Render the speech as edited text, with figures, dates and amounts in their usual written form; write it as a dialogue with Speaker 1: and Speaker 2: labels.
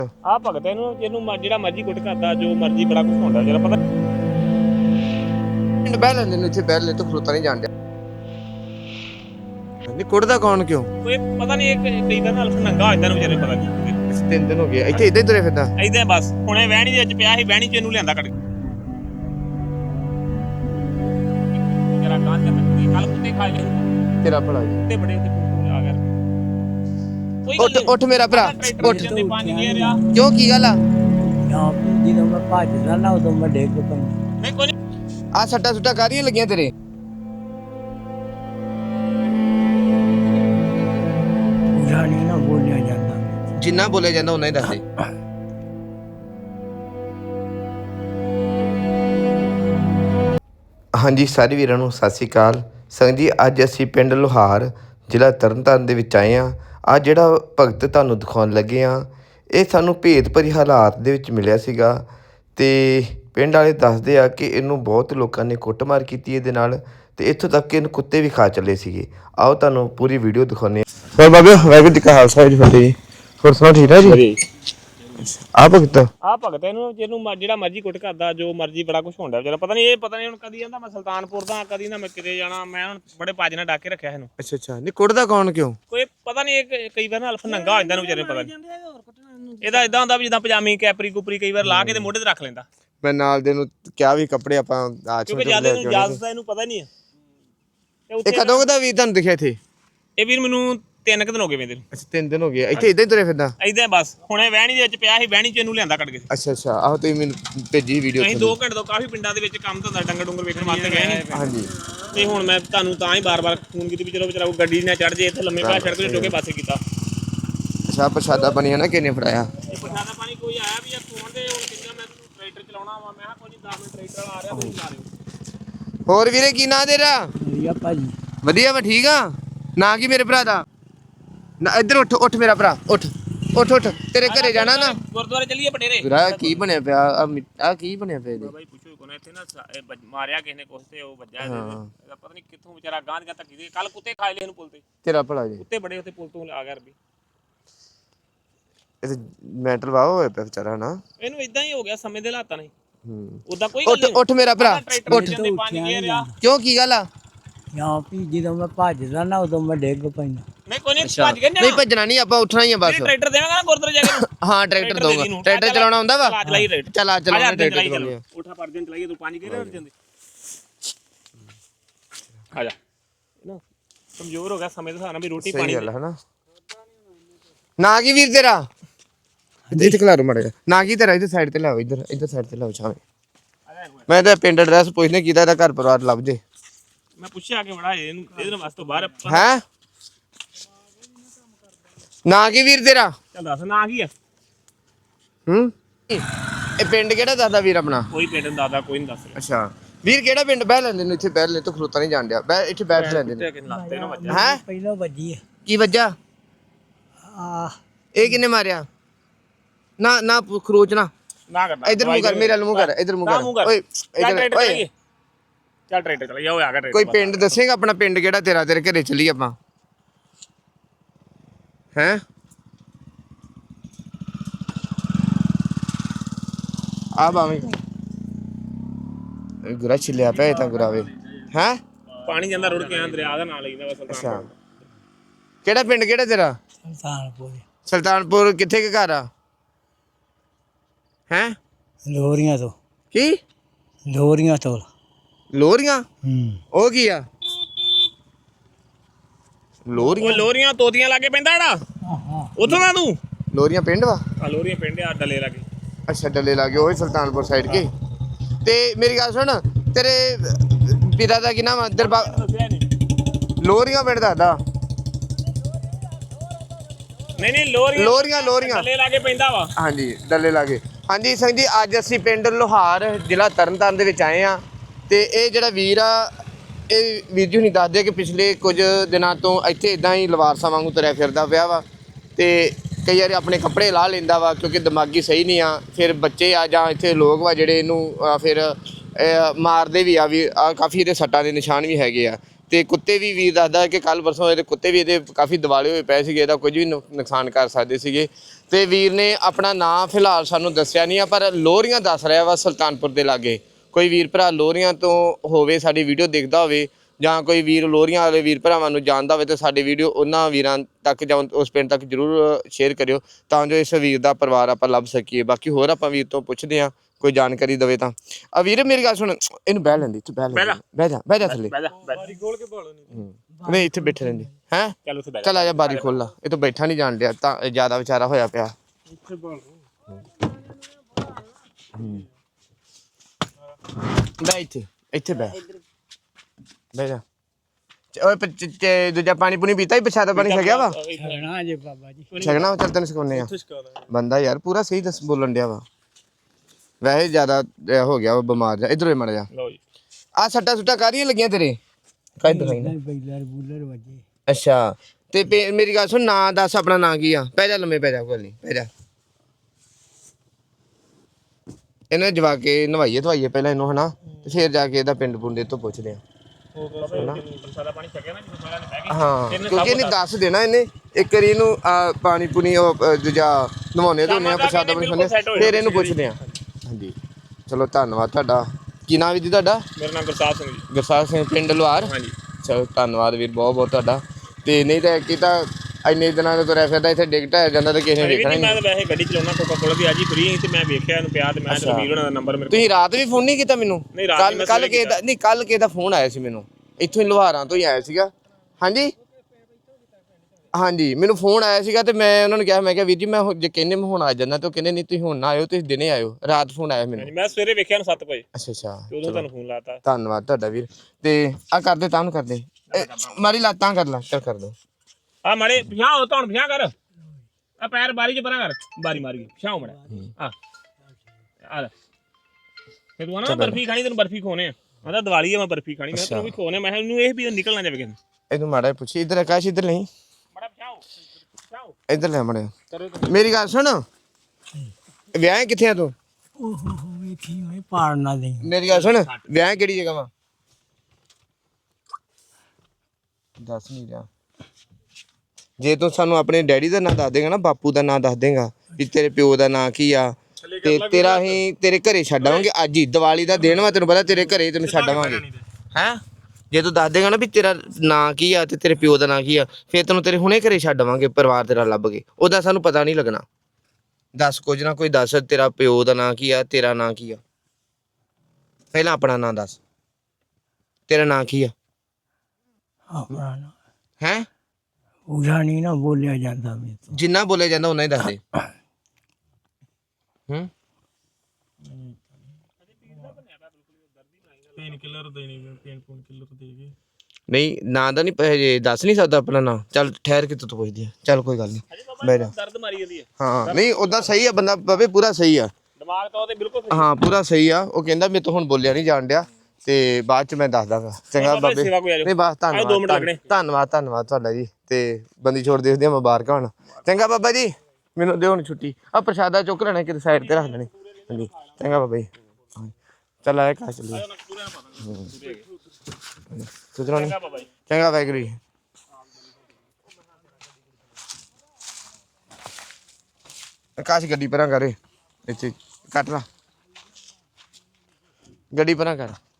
Speaker 1: ਆ ਭਗਤ ਇਹਨੂੰ ਜਿਹੜਾ ਮਰਜ਼ੀ ਕੁੱਟ ਕਰਦਾ ਜੋ ਮਰਜ਼ੀ ਬੜਾ ਕੁਝ ਹੁੰਦਾ ਜਿਹੜਾ ਪਤਾ
Speaker 2: ਪਿੰਡ ਬਹਿ ਲੈਂਦੇ ਨੇ ਇੱਥੇ ਬਹਿ ਲੈ ਤੂੰ ਖਲੋਤਾ ਨਹੀਂ ਜਾਣ ਡਿਆ ਨਹੀਂ ਕੁੱਟਦਾ ਕੌਣ ਕਿਉਂ
Speaker 1: ਕੋਈ ਪਤਾ ਨਹੀਂ ਕਈ ਵਾਰ ਨਾਲ ਨੰਗਾ ਹੋ ਜਾਂਦਾ ਨੂੰ ਵਿਚਾਰੇ ਪਤਾ ਨਹੀਂ
Speaker 2: 3 ਦਿਨ ਹੋ ਗਏ ਇੱਥੇ ਇਦਾਂ ਹੀ ਤੁਰੇ ਫਿਰਦਾ
Speaker 1: ਇਦਾਂ ਬਸ ਹੁਣੇ ਵਹਿਣੀ ਦੇ ਵਿੱਚ ਪਿਆ ਸੀ ਵਹਿਣੀ ਚ ਇਹਨੂੰ ਲਿਆਂਦਾ ਕੱਢ ਜਰਾ ਕਾਂ ਤੇ ਕੱਲ ਕੁੱਤੇ ਖਾ ਲਏ
Speaker 2: ਤੇਰਾ ਭਲਾ ਜੀ
Speaker 1: ਕੁੱਤੇ ਬੜੇ ਤੇ ਆ ਗਿਆ
Speaker 2: ਉੱਠ ਮੇਰਾ ਭਰਾ ਉੱਠ ਕਿਉਂ ਕੀ ਗੱਲ ਆ
Speaker 3: ਜਦੋਂ ਮੈਂ ਭੱਜਦਾ ਨਾ ਉਦੋਂ ਮੈਂ ਡਿੱਗ ਪੈਂਦਾ
Speaker 1: ਨਹੀਂ ਕੋਈ
Speaker 2: ਆ ਸੱਟਾ ਸੁੱਟਾ ਕਾਹਦੀਆਂ ਲੱਗੀਆਂ ਤੇਰੇ
Speaker 3: ਪੂਰਾ ਨਹੀਂ ਨਾ ਬੋਲਿਆ ਜਾਂਦਾ
Speaker 2: ਜਿੰਨਾ ਬੋਲਿਆ ਜਾਂਦਾ ਉਹਨਾਂ ਹੀ ਦੱਸ ਦੇ ਹਾਂਜੀ ਸਾਰੇ ਵੀਰਾਂ ਨੂੰ ਸਤਿ ਸ਼੍ਰੀ ਅਕਾਲ ਸੰਗ ਜੀ ਅੱਜ ਅਸੀਂ ਪਿੰਡ ਲੋਹਾਰ ਜ਼ਿਲ੍ਹਾ ਤਰਨਤਾਰਨ ਦੇ ਵਿੱਚ ਆਏ ਹਾਂ ਆ ਜਿਹੜਾ ਭਗਤ ਤੁਹਾਨੂੰ ਦਿਖਾਉਣ ਲੱਗੇ ਆ ਇਹ ਸਾਨੂੰ ਭੇਦ ਭਰੀ ਹਾਲਾਤ ਦੇ ਵਿੱਚ ਮਿਲਿਆ ਸੀਗਾ ਤੇ ਪਿੰਡ ਵਾਲੇ ਦੱਸਦੇ ਆ ਕਿ ਇਹਨੂੰ ਬਹੁਤ ਲੋਕਾਂ ਨੇ ਕੁੱਟਮਾਰ ਕੀਤੀ ਇਹਦੇ ਨਾਲ ਤੇ ਇੱਥੋਂ ਤੱਕ ਕਿ ਇਹਨੂੰ ਕੁੱਤੇ ਵੀ ਖਾ ਚੱਲੇ ਸੀਗੇ ਆਓ ਤੁਹਾਨੂੰ ਪੂਰੀ ਵੀਡੀਓ ਦਿਖਾਉਂਦੇ ਆ ਹੋਰ ਬਾਬੇ ਵਾਹਿਗੁਰੂ ਜੀ ਕਾ ਖਾਲਸਾ ਜੀ ਫਤਿਹ ਜੀ ਹੋਰ ਸੁਣਾਓ ਠੀਕ ਹੈ ਜੀ ਆ ਭਗਤ
Speaker 1: ਇਹਨੂੰ ਜਿਹੜਾ ਮਰਜ਼ੀ ਕੁੱਟ ਕਰਦਾ ਜੋ ਮਰਜ਼ੀ ਬੜਾ ਕੁਝ ਹੁੰਦਾ ਵਿਚਾਰਾ ਪਤਾ ਨਹੀਂ ਹੁਣ ਕਦੀ ਕਹਿੰਦਾ ਮੈਂ ਸੁਲਤਾਨਪੁਰ ਦਾ ਕਦੀ ਨਾ ਮੈਂ ਕਿਤੇ ਜਾਣਾ ਮੈਂ ਹੁਣ ਬੜੇ ਭੱਜ ਨਾਲ ਡਾਕੇ ਰੱਖਿਆ ਇਹਨੂੰ
Speaker 2: ਅੱਛਾ ਨਹੀਂ ਕੁੱਟਦਾ ਕੌਣ ਕਿਉਂ
Speaker 1: ਕੋਈ ਪਤਾ ਨਹੀਂ ਕਈ ਵਾਰ ਨਾਲ ਨੰਗਾ ਹੋ ਜਾਂਦਾ ਨੂੰ ਵਿਚਾਰੇ ਪਤਾ ਨਹੀਂ ਇਹਦਾ ਇਦਾਂ ਹੁੰਦਾ ਵੀ ਜਿੱਦਾਂ ਪਜਾਮੀ ਕੈਪਰੀ ਕੁਪਰੀ ਕਈ ਵਾਰ ਲਾ ਕੇ ਤੇ ਮੋਢੇ ਤੇ ਰੱਖ ਲੈਂਦਾ
Speaker 2: ਮੈਂ ਨਾਲ ਦੇ ਨੂੰ ਕਿਹਾ ਵੀ ਕੱਪੜੇ ਆਪਾਂ ਆ
Speaker 1: ਕਿਉਂਕਿ ਜਿਆਦਾ ਇਹਨੂੰ ਇਜਾਜ਼ਤ ਦਾ ਇਹਨੂੰ ਪਤਾ ਨਹੀਂ ਹੈ
Speaker 2: ਇਹ ਕਦੋਂ ਦਾ ਵੀ ਤੁਹਾਨੂੰ ਦਿਖਿਆ ਇੱਥੇ
Speaker 1: ਇਹ ਵੀਰ ਮੈਨੂੰ 3 ਦਿਨ ਹੋ ਗਏ ਮੇਰੇ
Speaker 2: ਅੱਛਾ 3 ਦਿਨ ਹੋ ਗਏ ਇੱਥੇ ਇਦਾਂ ਹੀ ਤੁਰੇ ਫਿਰਦਾ
Speaker 1: ਇਦਾਂ ਬਸ ਹੁਣੇ ਵਹਿਣੀ ਦੇ ਵਿੱਚ ਪਿਆ ਸੀ ਵਹਿਣੀ ਚ ਇਹਨੂੰ ਲਿਆਂਦਾ ਕੱਢ ਕੇ
Speaker 2: ਅੱਛਾ ਆਹੋ ਤੁਸੀਂ ਮੈਨੂੰ ਭੇਜੀ ਵੀਡੀਓ
Speaker 1: ਅਸੀਂ 2 ਘੰਟੇ ਤੋਂ ਕਾਫੀ ਪਿੰਡਾਂ ਦੇ ਵਿੱਚ ਕੰਮ ਧੰਦਾ ਡੰਗਰ ਡੁੰਗਰ ਵੇਖਣ ਵਾਸਤੇ ਗਏ ਸੀ
Speaker 2: ਹਾਂਜੀ
Speaker 1: ਤੇ ਹੁਣ ਮੈਂ ਤੁਹਾਨੂੰ ਤਾਂ ਹੀ ਬਾਰ-ਬਾਰ ਫੋਨ ਕੀਤੀ ਵੀ ਚਲੋ ਵਿਚਾਰਾ ਉਹ ਗੱਡੀ ਨਾ ਚੜ ਜੇ ਇੱਥੇ ਲੰਮੇ ਪਾ ਸੜਕ ਤੇ ਟੋਕੇ ਪਾਸੇ ਕੀਤਾ
Speaker 2: ਅੱਛਾ ਪ੍ਰਸ਼ਾਦਾ ਪਾਣੀ ਹੈ ਨਾ ਕਿਹਨੇ ਫੜਾਇਆ
Speaker 1: ਇਹ ਪ੍ਰਸ਼ਾਦਾ ਪਾਣੀ ਕੋਈ ਆਇਆ ਵੀ ਆ ਫੋਨ ਤੇ ਹੁਣ ਕਿੰਨਾ ਮੈਂ ਟਰੈਕਟਰ ਚਲਾਉਣਾ ਵਾ ਮੈਂ ਕਿਹਾ ਕੋਈ ਨਹੀਂ 10 ਮਿੰਟ ਟਰੈਕਟਰ ਆ ਰਿਹਾ ਤੁਸੀਂ ਲਾ ਲਿਓ
Speaker 2: ਹੋਰ ਵੀਰੇ ਕੀ ਨਾਂ ਤੇਰਾ
Speaker 3: ਵਧੀਆ ਭਾਜੀ
Speaker 2: ਵਧੀਆ ਵਾ ਠੀਕ ਆ ਨਾਂ ਕੀ ਮੇਰੇ ਭਰਾ ਦਾ ਨਾ ਇੱਧਰ ਉੱਠ ਮੇਰਾ ਭਰਾ ਉੱਠ ਤੇਰੇ ਘਰੇ ਜਾਣਾ ਨਾ
Speaker 1: ਗੁਰਦੁਆਰੇ ਚੱਲੀਏ ਬਟੇਰੇ
Speaker 2: ਵੀਰਾ ਕੀ ਬਣਿਆ ਪਿਆ ਆ ਕੀ ਬਣਿਆ ਪਿਆ ਇਹਦੇ
Speaker 1: ਬਾਈ ਪੁੱਛੋ ਕੋਨੇ ਇੱਥੇ ਨਾ ਮਾਰਿਆ ਕਿਸੇ ਨੇ ਕੁਛ ਤੇ ਉਹ ਵੱਜਿਆ ਇਹਦਾ ਪਤਾ ਨਹੀਂ ਕਿੱਥੋਂ ਵਿਚਾਰਾ ਗਾਂਧ ਗਾ ਧੱਕੀ ਦੇ ਕੱਲ ਕੁੱਤੇ ਖਾ ਲਏ ਇਹਨੂੰ ਪੁੱਲ ਤੇ
Speaker 2: ਤੇਰਾ ਭਲਾ ਜੀ
Speaker 1: ਕੁੱਤੇ ਬੜੇ ਉੱਤੇ ਪੁੱਲ ਤੋਂ ਆ ਗਿਆ ਰਬੀ
Speaker 2: ਇਹ ਤੇ ਮੈਂਟਲ ਵਾਹ ਹੋਇਆ ਪਿਆ ਵਿਚਾਰਾ ਨਾ
Speaker 1: ਇਹਨੂੰ ਇਦਾਂ ਹੀ ਹੋ ਗਿਆ ਸਮੇਂ ਦੇ ਹਾਲਾਤਾਂ ਨੇ
Speaker 2: ਹੂੰ
Speaker 1: ਉਦਾਂ ਕੋਈ ਗੱਲ ਨਹੀਂ
Speaker 2: ਉੱਠ ਮੇਰਾ ਭਰਾ ਉੱਠ ਕਿਉਂ ਕੀ ਗੱਲ ਆ
Speaker 3: ਜਦੋਂ ਮੈਂ ਭੱਜਦਾ ਨਾ ਉਦੋਂ ਮੈਂ ਡਿੱਗ ਪੈਂਦਾ
Speaker 1: ਨਹੀਂ ਕੋਈ ਨਹੀਂ ਭੱਜ ਗਏ
Speaker 2: ਨਹੀਂ ਭੱਜਣਾ ਨਹੀਂ ਆਪਾਂ ਉੱਠਣਾ ਹੀ ਆ ਬਸ
Speaker 1: ਟਰੈਕਟਰ ਦੇਵਾਂਗਾ ਨਾ ਗੁਰਦੁਆਰੇ ਜਾ ਕੇ
Speaker 2: ਹਾਂ ਟਰੈਕਟਰ ਦਊਗਾ ਟਰੈਕਟਰ ਚਲਾਉਣਾ ਆਉਂਦਾ ਵਾ
Speaker 1: ਚਲਾਈ ਟਰੈਕਟਰ
Speaker 2: ਚਲਾ ਟਰੈਕਟਰ ਚਲਾਉਂਦੇ ਆ
Speaker 1: ਉਠਾ ਪੜ ਦਿਨ ਚਲਾਈਏ ਤੂੰ 5 ਗੇਰੇ ਹਟ ਜਾਂਦੇ ਆ ਜਾ ਨਾ ਕਮਜ਼ੋਰ ਹੋ ਗਿਆ ਸਮੇਂ ਦੇ ਹਿਸਾਬ ਨਾਲ ਵੀ ਰੋਟੀ ਪਾਣੀ
Speaker 2: ਸਹੀ ਗੱਲ ਹੈ ਨਾ ਨਾ ਕੀ ਵੀਰ ਤੇਰਾ ਇੱਥੇ ਖਿਲਾਰੋ ਮੜਿਆ ਨਾ ਕੀ ਤੇਰਾ ਇੱਧਰ ਸਾਈਡ ਤੇ ਲਾਓ ਇੱਧਰ ਸਾਈਡ ਤੇ ਲਾਓ ਛਾਵੇਂ ਮੈਂ ਤਾਂ ਪਿੰਡ ਐਡਰੈਸ ਪੁੱਛਨੇ ਕੀਤਾ ਇਹਦਾ ਘਰ ਪਰਿਵਾਰ ਲੱਭ ਜੇ
Speaker 1: ਮੈਂ ਪੁੱਛਿਆ ਕਿ ਬੜਾ ਇਹਨੂੰ ਇਹਦੇ ਵਾਸਤੇ ਬਾਹਰ
Speaker 2: ਹੈ ਨਾ ਕੀ ਵੀਰ ਤੇਰਾ
Speaker 1: ਚੱਲ ਦੱਸ ਨਾ ਕੀ ਆ
Speaker 2: ਇਹ ਪਿੰਡ ਕਿਹੜਾ ਦੱਸਦਾ ਵੀਰ ਆਪਣਾ
Speaker 1: ਕੋਈ ਪਿੰਡ ਦਾਦਾ ਕੋਈ ਨਹੀਂ ਦੱਸ ਰਿਹਾ
Speaker 2: ਅੱਛਾ ਵੀਰ ਕਿਹੜਾ ਪਿੰਡ ਬਹਿ ਲੈਂਦੇ ਨੇ ਇੱਥੇ ਬਹਿ ਲੈ ਤੂੰ ਖਲੋਤਾ ਨਹੀਂ ਜਾਣ ਡਿਆ ਬਹਿ ਇੱਥੇ ਬੈਠ ਲੈਂਦੇ ਨੇ
Speaker 1: ਲਾਤੇ ਨਾ ਵੱਜਾ
Speaker 2: ਹੈ
Speaker 3: ਪਹਿਲਾਂ ਵੱਜੀ
Speaker 2: ਕੀ ਵੱਜਾ
Speaker 3: ਆ
Speaker 2: ਇਹ ਕਿੰਨੇ ਮਾਰਿਆ ਨਾ ਖਰੋਚ ਨਾ
Speaker 1: ਕਰਨਾ
Speaker 2: ਇਧਰ ਮੂੰਹ ਕਰ ਮੇਰੇ ਮੂੰਹ ਕਰ ਇਧਰ ਮੂੰਹ ਕਰ ਓਏ ਇਧਰ ਓਏ
Speaker 1: ਚੱਲ ਟਰੈਕਟਰ ਚਲਾ ਜਾ ਉਹ ਆ ਗਿਆ ਟਰੈਕਟਰ
Speaker 2: ਕੋਈ ਪਿੰਡ ਦੱਸੇਗਾ ਆਪਣਾ ਪਿੰਡ ਕਿਹੜਾ ਤੇਰੇ ਘਰੇ ਚੱਲੀ ਆਪਾਂ ਹੈ ਆ ਬਾਵੇਂ ਗੁਰਾ ਛਿਲਿਆ ਪਿਆ ਤਾਂ ਗੁਰਾਵੇ ਹੈ
Speaker 1: ਪਾਣੀ ਜਾਂਦਾ ਰੁੜ ਕੇ ਆਂ ਦਰਿਆ ਦਾ ਨਾਲ ਲੈਂਦਾ ਬਸ
Speaker 2: ਅੱਛਾ ਕਿਹੜਾ ਪਿੰਡ ਕਿਹੜਾ ਤੇਰਾ ਸੁਲਤਾਨਪੁਰ ਕਿੱਥੇ ਕੇ ਘਰ ਆ ਹੈ
Speaker 3: ਲੋਰੀਆਂ ਤੋਂ
Speaker 2: ਕੀ
Speaker 3: ਲੋਰੀਆਂ ਤੋਂ
Speaker 2: ਲੋਰੀਆਂ ਉਹ ਕੀ ਆ
Speaker 1: ਉਹ ਲੋਰੀਆਂ ਤੋਤੀਆਂ ਲਾਗੇ ਪੈਂਦਾ ਜਿਹੜਾ ਉਥੋਂ ਦਾ ਤੂੰ
Speaker 2: ਲੋਰੀਆਂ ਪਿੰਡ ਵਾ
Speaker 1: ਆ ਲੋਰੀਆਂ ਪਿੰਡ ਆ ਡੱਲੇ ਲਾਗੇ
Speaker 2: ਅੱਛਾ ਡੱਲੇ ਲਾਗੇ ਉਹ ਸੁਲਤਾਨਪੁਰ ਸਾਈਡ ਕੇ ਤੇ ਮੇਰੀ ਗੱਲ ਸੁਣ ਤੇਰੇ ਵੀਰਾ ਦਾ ਕੀ ਨਾਮ ਆ ਲੋਰੀਆਂ ਪਿੰਡ ਦਾ
Speaker 1: ਨਹੀਂ
Speaker 2: ਲੋਰੀਆਂ
Speaker 1: ਡੱਲੇ ਲਾਗੇ ਪੈਂਦਾ ਵਾ
Speaker 2: ਹਾਂਜੀ ਡੱਲੇ ਲਾਗੇ ਹਾਂਜੀ ਸਿੰਘ ਜੀ ਅੱਜ ਅਸੀਂ ਪਿੰਡ ਲੋਹਾਰ ਜ਼ਿਲ੍ਹਾ ਤਰਨਤਾਰਨ ਦੇ ਵਿੱਚ ਆਏ ਆ ਤੇ ਇਹ ਜਿਹੜਾ ਵੀਰ ਆ ਇਹ ਵੀਰ ਜੀ ਨਹੀਂ ਦੱਸਦੇ ਕਿ ਪਿਛਲੇ ਕੁਝ ਦਿਨਾਂ ਤੋਂ ਇੱਥੇ ਇਦਾਂ ਹੀ ਲਵਾਰਸਾਂ ਵਾਂਗੂ ਤੁਰਿਆ ਫਿਰਦਾ ਪਿਆ ਵਾ ਤੇ ਕਈ ਵਾਰੀ ਆਪਣੇ ਕੱਪੜੇ ਲਾਹ ਲੈਂਦਾ ਵਾ ਕਿਉਂਕਿ ਦਿਮਾਗੀ ਸਹੀ ਨਹੀਂ ਆ ਫਿਰ ਬੱਚੇ ਆ ਜਾਂ ਇੱਥੇ ਲੋਕ ਵਾ ਜਿਹੜੇ ਇਹਨੂੰ ਫਿਰ ਮਾਰਦੇ ਵੀ ਆ ਵੀ ਆ ਕਾਫੀ ਇਹਦੇ ਸੱਟਾਂ ਦੇ ਨਿਸ਼ਾਨ ਵੀ ਹੈਗੇ ਆ ਤੇ ਕੁੱਤੇ ਵੀ ਵੀਰ ਦੱਸਦਾ ਕਿ ਕੱਲ ਪਰਸੋਂ ਇਹਦੇ ਕੁੱਤੇ ਵੀ ਇਹਦੇ ਕਾਫੀ ਦਿਵਾਲੇ ਹੋਏ ਪਏ ਸੀਗੇ, ਇਹਦਾ ਕੁਝ ਵੀ ਨੁਕਸਾਨ ਕਰ ਸਕਦੇ ਸੀਗੇ। ਤੇ ਵੀਰ ਨੇ ਆਪਣਾ ਨਾਂ ਫਿਲਹਾਲ ਸਾਨੂੰ ਦੱਸਿਆ ਨਹੀਂ ਆ, ਪਰ ਲੋਹਰੀਆਂ ਦੱਸ ਰਿਹਾ ਵਾ ਸੁਲਤਾਨਪੁਰ ਦੇ ਲਾਗੇ। ਕੋਈ ਵੀਰ ਭਰਾ ਲੋਹਰੀਆਂ ਤੋਂ ਹੋਵੇ, ਸਾਡੀ ਵੀਡੀਓ ਦੇਖਦਾ ਹੋਵੇ, ਜਾਂ ਕੋਈ ਵੀਰ ਲੋਹਰੀਆਂ ਵਾਲੇ ਵੀਰ ਭਰਾਵਾਂ ਨੂੰ ਜਾਣਦਾ ਹੋਵੇ ਤਾਂ ਸਾਡੀ ਵੀਡੀਓ ਉਹਨਾਂ ਵੀਰਾਂ ਤੱਕ ਜਾਂ ਉਸ ਪਿੰਡ ਤੱਕ ਜ਼ਰੂਰ ਸ਼ੇਅਰ ਕਰਿਓ, ਤਾਂ ਜੋ ਇਸ ਵੀਰ ਦਾ ਪਰਿਵਾਰ ਆਪਾਂ ਲੱਭ ਸਕੀਏ। ਬਾਕੀ ਹੋਰ ਆਪਾਂ ਵੀਰ ਤੋਂ ਪੁੱਛਦੇ ਹਾਂ ਕੋਈ ਜਾਣਕਾਰੀ ਦੇਵੇ ਤਾਂ। ਆ ਵੀਰ ਮੇਰੀ ਗੱਲ ਸੁਣ, ਇਹਨੂੰ ਬਹਿ ਲੈਂਦੀ, ਤੂੰ ਬਹਿ ਜਾ ਥੱਲੇ।
Speaker 1: ਬਾਰੀ ਖੋਲ ਕੇ ਭਾਲੋ
Speaker 2: ਨਹੀਂ ਇੱਥੇ ਬੈਠੇ ਰਹਿੰਦੇ ਹੈ।
Speaker 1: ਚੱਲ ਉੱਥੇ ਬਹਿ
Speaker 2: ਚੱਲ ਆ ਜਾ, ਬਾਰੀ ਖੋਲ ਲਾ, ਇਹ ਤਾਂ ਬੈਠਾ ਨਹੀਂ ਜਾਣ ਡਿਆ, ਤਾਂ ਜ਼ਿਆਦਾ ਵਿਚਾਰਾ ਹੋਇਆ ਪਿਆ।
Speaker 1: ਇੱਥੇ ਭਾਲੋ
Speaker 2: ਬਹਿ ਇੱਥੇ ਬਹਿ ਜਾ। ਓਏ ਦੂਜਾ ਪਾਣੀ ਪੂਣੀ ਪੀਤਾ ਹੀ, ਪ੍ਰਸ਼ਾਦਾ ਪਾਣੀ ਛਕਿਆ ਵਾ?
Speaker 3: ਛਕਣਾ ਜੇ ਬਾਬਾ ਜੀ,
Speaker 2: ਛਕਣਾ ਚੱਲ ਤੈਨੂੰ ਸਿਖਾਉਂਦੇ ਆ। ਬੰਦਾ ਯਾਰ ਪੂਰਾ ਸਹੀ ਦੱਸ ਬੋਲਣ ਡਿਆ ਵਾ, ਵੈਸੇ ਜ਼ਿਆਦਾ ਹੋ ਗਿਆ ਵਾ ਬਿਮਾਰ ਜਾ। ਇੱਧਰੋਂ ਮੜ ਜਾ।
Speaker 1: ਲਓ ਜੀ
Speaker 2: ਆ ਸੱਟਾਂ ਸੁੱਟਾਂ ਕਾਹਦੀਆਂ ਲੱਗੀਆਂ ਤੇਰੇ? ਕਾਹ ਦਿਖਾਈ ਨਾ।
Speaker 3: ਬੂਲਰ ਵੱਜੇ।
Speaker 2: ਅੱਛਾ ਤੇ ਮੇਰੀ ਗੱਲ ਸੁਣ, ਨਾਂ ਦੱਸ, ਆਪਣਾ ਨਾਂ ਕੀ ਆ? ਪੈ ਜਾ ਲੰਮੇ ਪੈ ਜਾ, ਕੋਈ ਨਹੀਂ ਪੈ ਜਾ। ਇਹਨੇ ਜਵਾ ਕੇ ਨਵਾਈਏ ਧਵਾਈਏ ਪਹਿਲਾਂ ਇਹਨੂੰ, ਹਨਾ, ਤੇ ਫਿਰ ਜਾ ਕੇ ਇਹਦਾ ਪਿੰਡ ਪੁੰਡੇ ਤੋਂ ਪੁੱਛਦੇ ਆ।
Speaker 1: ਸਾਦਾ ਪਾਣੀ ਛਕਿਆ ਨਾ ਜਦੋਂ ਸਾਰਾ ਨੇ ਬਹਿ
Speaker 2: ਹਾਂ, ਕਿਉਂਕਿ ਇਹਨੇ ਦੱਸ ਦੇਣਾ, ਇਹਨੇ ਇੱਕ ਵਾਰੀ ਇਹਨੂੰ ਪਾਣੀ ਪੁਣੀ ਉਹ ਦੂਜਾ ਨਵਾਉਣੇ ਧੋਣੇ ਆ, ਪ੍ਰਸ਼ਾਦਾ ਪਾਣੀ ਖਾਂਦੇ, ਫਿਰ ਇਹਨੂੰ ਪੁੱਛਦੇ ਆ। ਹਾਂਜੀ ਚਲੋ ਧੰਨਵਾਦ ਤੁਹਾਡਾ। ਕੀ ਨਾਮ ਵੀਰ ਜੀ ਤੁਹਾਡਾ?
Speaker 1: ਮੇਰਾ ਨਾਮ ਗੁਰਸਾਹਿਬ ਸਿੰਘ ਜੀ।
Speaker 2: ਗੁਰਸਾਹਿਬ ਸਿੰਘ, ਪਿੰਡ ਲੁਹਾਰ।
Speaker 1: ਹਾਂਜੀ
Speaker 2: ਚਲੋ ਧੰਨਵਾਦ ਵੀਰ, ਬਹੁਤ ਬਹੁਤ ਤੁਹਾਡਾ। ਤੇ ਨਹੀਂ ਤਾਂ ਕੀ ਤਾਂ ਇੰਨੇ ਦਿਨਾਂ ਤੋਂ ਤੁਰਿਆ ਫਿਰਦਾ, ਇੱਥੇ ਡਿੱਗ ਢਾਇਆ ਜਾਂਦਾ ਤੇ ਕਿਸੇ ਨੇ ਵੇਖਣਾ
Speaker 1: ਮੈਂ ਤਾਂ ਵੈਸੇ ਗੱਡੀ ਚਲਾਉਣਾ, ਕੋਕਾ ਕੋਲਾ ਵੀ ਅੱਜ ਹੀ ਫਰੀ ਤੇ ਮੈਂ ਵੇਖਿਆ ਇਹਨੂੰ ਪਿਆ, ਤੇ ਮੈਂ ਚਲੋ ਵੀਰ ਉਹਨਾਂ ਦਾ ਨੰਬਰ ਮੇਰੇ
Speaker 2: ਤੁਸੀਂ ਰਾਤ ਵੀ ਫੋਨ ਨਹੀਂ ਕੀਤਾ ਮੈਨੂੰ? ਕੱਲ ਕਿਸੇ ਦਾ ਫੋਨ ਆਇਆ ਸੀ ਮੈਨੂੰ, ਇੱਥੋਂ ਹੀ ਲੁਹਾਰਾਂ ਤੋਂ ਹੀ ਆਇਆ ਸੀਗਾ। ਹਾਂਜੀ ਹਾਂਜੀ, ਮੈਨੂੰ ਫੋਨ ਆਇਆ ਸੀਗਾ ਤੇ ਮੈਂ ਉਹਨਾਂ ਨੂੰ ਕਿਹਾ, ਮੈਂ ਕਿਹਾ ਵੀਰ ਜੀ ਮੈਂ ਜੇ ਕਹਿੰਦੇ ਮੈਂ ਹੁਣ ਆ ਜਾਂਦਾ, ਤੇ ਉਹ ਕਹਿੰਦੇ ਨਹੀਂ ਤੁਸੀਂ ਹੁਣ ਨਾ ਆਇਓ, ਤੁਸੀਂ ਦਿਨੇ ਆਇਓ। ਰਾਤ ਫੋਨ ਆਇਆ ਮੈਨੂੰ।
Speaker 1: ਮੈਂ ਸਵੇਰੇ ਵੇਖਿਆ ਨੂੰ 7 ਵਜੇ।
Speaker 2: ਅੱਛਾ
Speaker 1: ਉਦੋਂ ਤੁਹਾਨੂੰ ਫੋਨ ਲਾਤਾ।
Speaker 2: ਧੰਨਵਾਦ ਤੁਹਾਡਾ ਵੀਰ। ਤੇ ਆ ਕਰਦੇ ਤਾਂ ਨੂੰ ਕਰਦੇ ਮਾਰੀ ਲਾਤਾਂ ਕਰ ਲਾ, ਚੱਲ ਕਰ ਦੋ।
Speaker 1: ਆ ਮਾੜੇ ਪਿਛਾਂ ਹੋ, ਧੌਣ ਪਿਛਾਂ ਕਰ, ਆ ਪੈਰ ਬਾਰੀ ਚ ਪਰਾਂ ਕਰ, ਬਾਰੀ ਮਾਰ ਗਈ ਪਿਛਾਂ ਮੜਾ। ਆ ਲੈ ਤੇ ਤੂੰ ਨਾ ਬਰਫੀ ਖਾਣੀ, ਤੈਨੂੰ ਬਰਫੀ ਖਵਾਉਣੇ ਆ। ਮੈਂ ਤਾਂ ਦੀਵਾਲੀ ਆ, ਮੈਂ ਬਰਫੀ ਖਾਣੀ, ਮੈਂ ਤੈਨੂੰ ਵੀ ਖਵਾਉਣੇ। ਮੈਂ ਇਹਨੂੰ ਇਹ ਵੀ ਨਿਕਲ ਨਾ ਜਾਵੇ ਕਿਸੇ ਨੂੰ।
Speaker 2: ਇਹਨੂੰ ਮਾੜਾ ਪੁੱਛੀ, ਇੱਧਰ ਆਕਾਸ਼, ਇੱਧਰ ਨਹੀਂ,
Speaker 1: ਮੜਾ ਪਿਛਾਂ
Speaker 2: ਇੱਧਰ ਲੈ ਮੜਾ। ਮੇਰੀ ਗੱਲ ਸੁਣ, ਵਿਆਹ ਕਿੱਥੇ ਆ ਤੂੰ?
Speaker 3: ਓਹੋ ਵੇਖੀ ਹੋਏ ਪਾੜ ਨਾ ਦੇ।
Speaker 2: ਮੇਰੀ ਗੱਲ ਸੁਣ, ਵਿਆਹ ਕਿਹੜੀ ਜਗ੍ਹਾ ਵਾ? ਦੱਸ ਨਹੀਂ ਰਿਹਾ। ਜੇ ਤੂੰ ਸਾਨੂੰ ਆਪਣੇ ਡੈਡੀ ਦਾ ਨਾਂ ਦੱਸ ਦੇਗਾ ਨਾ, ਬਾਪੂ ਦਾ ਨਾਂ ਦੱਸ ਦੇਗਾ, ਵੀ ਤੇਰੇ ਪਿਓ ਦਾ ਨਾਂ ਕੀ ਆ, ਤੇ ਤੇਰਾ ਅਸੀਂ ਤੇਰੇ ਘਰੇ ਛੱਡ ਆਵਾਂਗੇ। ਅੱਜ ਹੀ ਦੀਵਾਲੀ ਦਾ ਦਿਨ ਵਾ, ਤੈਨੂੰ ਪਤਾ, ਤੇਰੇ ਘਰੇ ਤੈਨੂੰ ਛੱਡ ਆਵਾਂਗੇ। ਹੈਂ, ਜੇ ਤੂੰ ਦੱਸ ਦੇਗਾ ਨਾ ਵੀ ਤੇਰਾ ਨਾਂ ਕੀ ਆ ਤੇ ਤੇਰੇ ਪਿਓ ਦਾ ਨਾਂ ਕੀ ਆ, ਫਿਰ ਤੈਨੂੰ ਤੇਰੇ ਹੁਣੇ ਘਰੇ ਛੱਡ ਆਵਾਂਗੇ, ਪਰਿਵਾਰ ਤੇਰਾ ਲੱਭ ਕੇ। ਉਹਦਾ ਸਾਨੂੰ ਪਤਾ ਨਹੀਂ ਲੱਗਣਾ। ਦੱਸ ਕੁਝ ਨਾ ਕੋਈ ਦੱਸ, ਤੇਰਾ ਪਿਓ ਦਾ ਨਾਂ ਕੀ ਆ, ਤੇਰਾ ਨਾਂ ਕੀ ਆ? ਪਹਿਲਾਂ ਆਪਣਾ ਨਾਂ ਦੱਸ, ਤੇਰਾ ਨਾਂ ਕੀ ਆ?
Speaker 3: ਆਪਣਾ ਨਾ
Speaker 2: ਹੈਂ,
Speaker 3: ਉਹਦਾ ਨਹੀਂ ਨਾ ਬੋਲਿਆ ਜਾਂਦਾ ਮੇਰੇ ਤੋਂ।
Speaker 2: ਜਿੰਨਾ ਬੋਲਿਆ ਜਾਂਦਾ ਉਹਨਾਂ ਹੀ ਦੱਸ ਦੇ।
Speaker 1: ਪੇਨ ਕਿਲਰ ਦੇਣੀ, ਪੇਨ ਕਿਲਰ ਦੇ ਗਏ।
Speaker 2: ਨਹੀਂ ਨਾਂ ਦਾ ਨਹੀਂ ਜੇ ਦੱਸ ਨਹੀਂ ਸਕਦਾ ਆਪਣਾ ਨਾਂ। ਚੱਲ ਠਹਿਰ ਕੇ ਤੂੰ ਪੁੱਛਦੀ ਆ, ਚੱਲ ਕੋਈ ਗੱਲ ਨਹੀਂ, ਬਹਿ ਜਾ।
Speaker 1: ਦਰਦ ਮਾਰੀ ਜਾਂਦੀ ਹੈ।
Speaker 2: ਹਾਂ ਨਹੀਂ ਉਦਾਂ ਸਹੀ ਆ ਬੰਦਾ, ਬਾਬੇ ਪੂਰਾ ਸਹੀ ਆ,
Speaker 1: ਦਿਮਾਗ ਤਾਂ ਉਹਦੇ ਬਿਲਕੁਲ
Speaker 2: ਹਾਂ ਪੂਰਾ ਸਹੀ ਆ। ਉਹ ਕਹਿੰਦਾ ਮੇਰੇ ਤੋਂ ਹੁਣ ਬੋਲਿਆ ਨਹੀਂ ਜਾਣ ਡਿਆ, ਤੇ ਬਾਅਦ ਚ ਮੈਂ ਦੱਸ ਦਾਂਗਾ। ਚੰਗਾ ਬਾਬੇ, ਨਹੀਂ ਬਸ ਧੰਨਵਾਦ ਤੁਹਾਡਾ ਜੀ। ਤੇ ਬੰਦੀ ਛੋੜ ਦੇਖਦੇ ਆ, ਮੁਬਾਰਕਾਂ ਹੁਣ। ਚੰਗਾ ਬਾਬਾ ਜੀ, ਮੈਨੂੰ ਦਿਓ ਹੁਣ ਛੁੱਟੀ। ਆ ਪ੍ਰਸ਼ਾਦਾ ਚੁੱਕ ਲੈਣਾ, ਕਿਤੇ ਸਾਈਡ ਤੇ ਰੱਖ ਦੇਣੇ। ਹਾਂਜੀ ਚੰਗਾ ਬਾਬਾ ਜੀ, ਚੱਲ ਆਇਆ ਕਾ ਚੱਲੀਏ। ਸੁਧਰੋ ਨਹੀਂ, ਚੰਗਾ ਵਾਹਿਗੁਰੂ ਜੀ। ਆਕਾਸ਼ ਗੱਡੀ ਪਰਾਂ ਕਰੇ, ਇੱਥੇ ਕੱਟ ਲਾ ਗੱਡੀ ਪਰਾਂ ਕਰ।